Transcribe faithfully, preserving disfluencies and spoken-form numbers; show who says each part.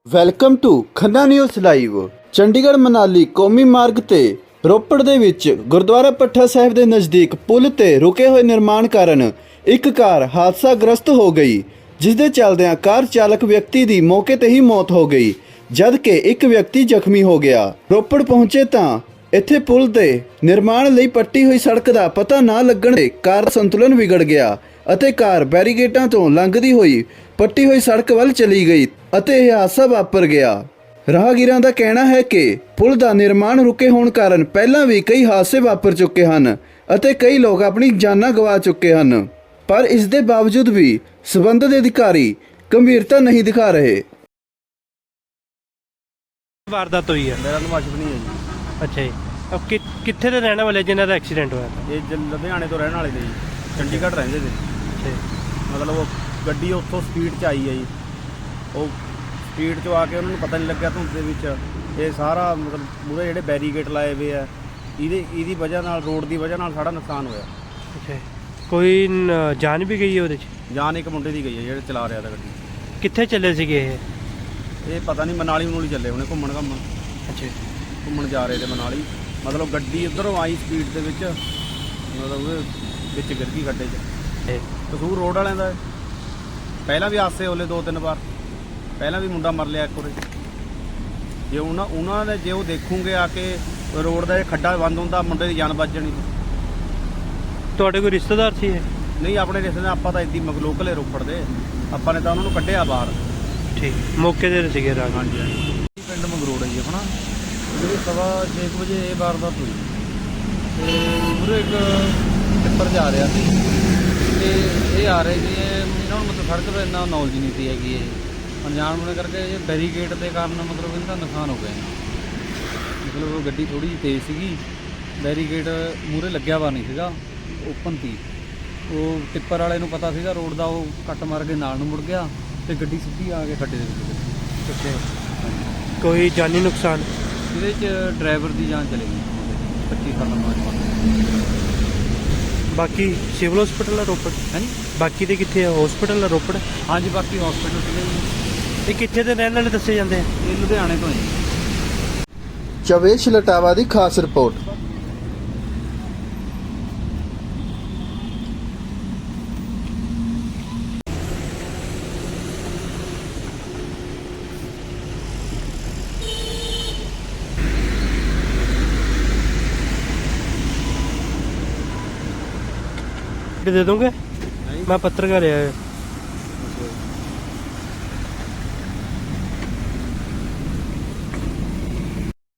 Speaker 1: Welcome to Khanna news live. Chandigarh Manali ਕੌਮੀ ਮਾਰਗ ਤੇ ਰੋਪੜ ਦੇ ਵਿੱਚ ਗੁਰਦੁਆਰਾ ਪੱਠਾ ਸਾਹਿਬ ਦੇ ਨਜ਼ਦੀਕ ਪੁਲ ਤੇ ਰੁਕੇ ਹੋਏ ਨਿਰਮਾਣ ਕਾਰਨ ਇੱਕ ਕਾਰ ਹਾਦਸਾਗ੍ਰਸਤ ਹੋ ਗਈ, ਜਿਸ ਦੇ ਚੱਲਦਿਆਂ ਕਾਰ ਚਾਲਕ ਵਿਅਕਤੀ ਦੀ ਮੌਕੇ ਤੇ ਹੀ ਮੌਤ ਹੋ ਗਈ, ਜਦ ਕਿ ਇੱਕ ਵਿਅਕਤੀ ਜ਼ਖਮੀ ਹੋ ਗਿਆ। ਰੋਪੜ ਪਹੁੰਚੇ ਤਾਂ ਇੱਥੇ ਪੁਲ ਦੇ ਨਿਰਮਾਣ ਲਈ ਪੱਟੀ ਹੋਈ ਸੜਕ ਦਾ ਪਤਾ ਨਾ ਲੱਗਣ ਤੇ ਕਾਰ ਦਾ ਸੰਤੁਲਨ ਵਿਗੜ ਗਿਆ ਅਤੇ ਕਾਰ ਬੈਰੀਕੇਡਾਂ ਤੋਂ ਲੰਘਦੀ ਹੋਈ ਪੱਟੀ ਹੋਈ ਸੜਕ ਵੱਲ ਚਲੀ ਗਈ ਅਤੇ ਇਹ ਹਾਦਸਾ ਵਾਪਰ ਗਿਆ। ਰਾਹਗੀਰਾਂ ਦਾ ਕਹਿਣਾ ਹੈ ਕਿ ਪੁਲ ਦਾ ਨਿਰਮਾਣ ਰੁਕੇ ਹੋਣ ਕਾਰਨ ਪਹਿਲਾਂ ਵੀ ਕਈ ਹਾਦਸੇ ਵਾਪਰ ਚੁੱਕੇ ਹਨ ਅਤੇ ਕਈ ਲੋਕ ਆਪਣੀ ਜਾਨਾਂ ਗਵਾ ਚੁੱਕੇ ਹਨ, ਪਰ ਇਸ ਦੇ ਬਾਵਜੂਦ ਵੀ ਸਬੰਧਤ ਅਧਿਕਾਰੀ ਗੰਭੀਰਤਾ ਨਹੀਂ ਦਿਖਾ ਰਹੇ।
Speaker 2: ਵਾਰਦਾਤ ਹੋਈ ਹੈ।
Speaker 3: ਮੇਰਾ ਨਾਮ ਅਸ਼ਵਨੀ ਹੈ ਜੀ।
Speaker 2: ਅੱਛਾ ਜੀ, ਅਬ ਕਿ ਕਿੱਥੇ ਦੇ ਰਹਿਣ ਵਾਲੇ ਜਿਨ੍ਹਾਂ ਦਾ ਐਕਸੀਡੈਂਟ ਹੋਇਆ था?
Speaker 3: ਇਹ ਜ- ਲੁਧਿਆਣੇ ਤੋਂ ਰਹਿਣ ਵਾਲੇ ਨੇ ਜੀ, ਚੰਡੀਗੜ੍ਹ ਰਹਿੰਦੇ ਨੇ।
Speaker 2: ਅੱਛਾ ਜੀ।
Speaker 3: ਮਤਲਬ ਉਹ ਗੱਡੀ ਉੱਥੋਂ ਸਪੀਡ 'ਚ ਆਈ ਹੈ ਜੀ, ਉਹ ਸਪੀਡ 'ਚੋਂ ਆ ਕੇ ਉਹਨਾਂ ਨੂੰ ਪਤਾ ਨਹੀਂ ਲੱਗਿਆ ਧੁੰਦ ਦੇ ਵਿੱਚ ਇਹ ਸਾਰਾ ਮਤਲਬ ਮੂਹਰੇ ਜਿਹੜੇ ਬੈਰੀਕੇਡ ਲਾਏ ਹੋਏ ਆ ਇਹਦੇ ਇਹਦੀ ਵਜ੍ਹਾ ਨਾਲ, ਰੋਡ ਦੀ ਵਜ੍ਹਾ ਨਾਲ ਸਾਡਾ ਨੁਕਸਾਨ ਹੋਇਆ।
Speaker 2: ਅੱਛਾ ਜੀ। ਕੋਈ ਨ- ਜਾਨ ਵੀ ਗਈ ਹੈ ਉਹਦੇ 'ਚ?
Speaker 3: ਜਾਨ ਇੱਕ ਮੁੰਡੇ ਦੀ ਗਈ ਹੈ ਜਿਹੜੇ ਚਲਾ ਰਿਹਾ ਤਾ ਗੱਡੀ।
Speaker 2: ਕਿੱਥੇ ਚੱਲੇ ਸੀਗੇ ਇਹ?
Speaker 3: ਇਹ ਪਤਾ ਨਹੀਂ ਮਨਾਲੀ ਮਨੂਲੀ ਚੱਲੇ ਹੋਣੇ ਘੁੰਮਣ ਘੰਮਣ
Speaker 2: ਅੱਛਾ ਜੀ।
Speaker 3: ਘੁੰਮਣ ਜਾ ਰਹੇ ਤੇ ਮਨਾਲੀ। ਮਤਲਬ ਗੱਡੀ ਉੱਧਰੋਂ ਆਈ ਸਪੀਡ ਦੇ ਵਿੱਚ, ਮਤਲਬ ਉਹਦੇ ਵਿੱਚ ਗਿਰ ਗਈ ਗੱਡੇ 'ਚ।
Speaker 2: ਇਹ
Speaker 3: ਕਸੂਰ ਰੋਡ ਵਾਲਿਆਂ ਦਾ ਹੈ। ਪਹਿਲਾਂ ਵੀ ਹਾਦਸੇ ਹੋਲੇ ਦੋ ਤਿੰਨ ਵਾਰ, ਪਹਿਲਾਂ ਵੀ ਮੁੰਡਾ ਮਰ ਲਿਆ ਇੱਕ ਵਾਰ। ਜੇ ਉਹਨਾਂ ਉਹਨਾਂ ਨੇ ਜੇ ਉਹ ਦੇਖੂਗੇ ਆ ਕੇ ਰੋਡ ਦਾ ਇਹ ਖੱਡਾ ਬੰਦ ਹੁੰਦਾ, ਮੁੰਡੇ ਦੀ ਜਾਨ ਬਚ ਜਾਣੀ।
Speaker 2: ਤੁਹਾਡੇ ਕੋਈ ਰਿਸ਼ਤੇਦਾਰ ਸੀ ਇਹ?
Speaker 3: ਨਹੀਂ, ਆਪਣੇ ਰਿਸ਼ਤੇਦਾਰ ਆਪਾਂ ਤਾਂ ਇੱਦੀ ਲੋਕਲ ਹੈ ਰੋਪੜ ਦੇ, ਆਪਾਂ ਨੇ ਤਾਂ ਉਹਨਾਂ ਨੂੰ ਕੱਢਿਆ ਬਾਹਰ।
Speaker 2: ਠੀਕ, ਮੌਕੇ ਦੇ ਸੀਗੇ ਰਾਜ?
Speaker 3: ਹਾਂਜੀ ਹਾਂਜੀ। ਪਿੰਡ ਮੰਗਰੋੜ ਹੈ ਜੀ ਆਪਣਾ। ਜਿਹੜੀ ਸਵਾ ਛੇ ਕੁ ਵਜੇ ਇਹ ਵਾਰਦਾਤ ਹੋਈ ਤੇ ਉਰੇ ਇੱਕ ਟਿੱਪਰ ਜਾ ਰਿਹਾ ਸੀ ਤੇ ਇਹ ਆ ਰਹੇ ਸੀ। ਇਹਨਾਂ ਨੂੰ ਮਤਲਬ ਸੜਕ ਦਾ ਇੰਨਾ ਨੌਲੇਜ ਨਹੀਂ ਸੀ ਹੈਗੀ, ਇਹ ਅਣਜਾਣ ਹੋਣੇ ਕਰਕੇ ਇਹ ਬੈਰੀਕੇਡ ਦੇ ਕਾਰਨ ਮਤਲਬ ਇਹਦਾ ਨੁਕਸਾਨ ਹੋ ਗਿਆ। ਮਤਲਬ ਉਹ ਗੱਡੀ ਥੋੜ੍ਹੀ ਜਿਹੀ ਤੇਜ਼ ਸੀਗੀ, ਬੈਰੀਕੇਡ ਮੂਹਰੇ ਲੱਗਿਆ ਵਾ ਨਹੀਂ ਸੀਗਾ, ਓਪਨ ਸੀ। ਉਹ ਟਿੱਪਰ ਵਾਲੇ ਨੂੰ ਪਤਾ ਸੀਗਾ ਰੋਡ ਦਾ, ਉਹ ਕੱਟ ਮਾਰ ਕੇ ਨਾਲ ਨੂੰ ਮੁੜ ਗਿਆ ਤੇ ਗੱਡੀ ਸਿੱਧੀ ਆ ਕੇ ਖੱਡੇ ਦੇ ਵਿੱਚ।
Speaker 2: ਅੱਛਾ ਜੀ। ਕੋਈ ਜਾਨੀ ਨੁਕਸਾਨ?
Speaker 3: ਇਹਦੇ 'ਚ ਡਰਾਈਵਰ ਦੀ ਜਾਨ ਚਲੀ ਗਈ, ਪੱਚੀ ਸਾਲਾਂ ਬਾਅਦ।
Speaker 2: ਬਾਕੀ ਸਿਵਲ ਹਸਪੀਟਲ ਆ ਰੋਪੜ?
Speaker 3: ਹਾਂਜੀ
Speaker 2: ਬਾਕੀ ਦੇ ਕਿੱਥੇ ਆ? ਹਸਪੀਟਲ ਆ ਰੋਪੜ?
Speaker 3: ਹਾਂਜੀ, ਬਾਕੀ ਹਸਪੀਟਲ ਸੀਗੇ ਜੀ।
Speaker 2: ਇਹ ਕਿੱਥੇ ਦੇ ਰਹਿਣ ਵਾਲੇ ਦੱਸੇ ਜਾਂਦੇ ਆ?
Speaker 3: ਇਹ ਲੁਧਿਆਣੇ ਤੋਂ ਹੈ ਜੀ।
Speaker 1: ਚਵੇਸ਼ ਲਟਾਵਾ ਦੀ ਖਾਸ ਰਿਪੋਰਟ।
Speaker 2: दे दोगे? मैं पत्रकार है।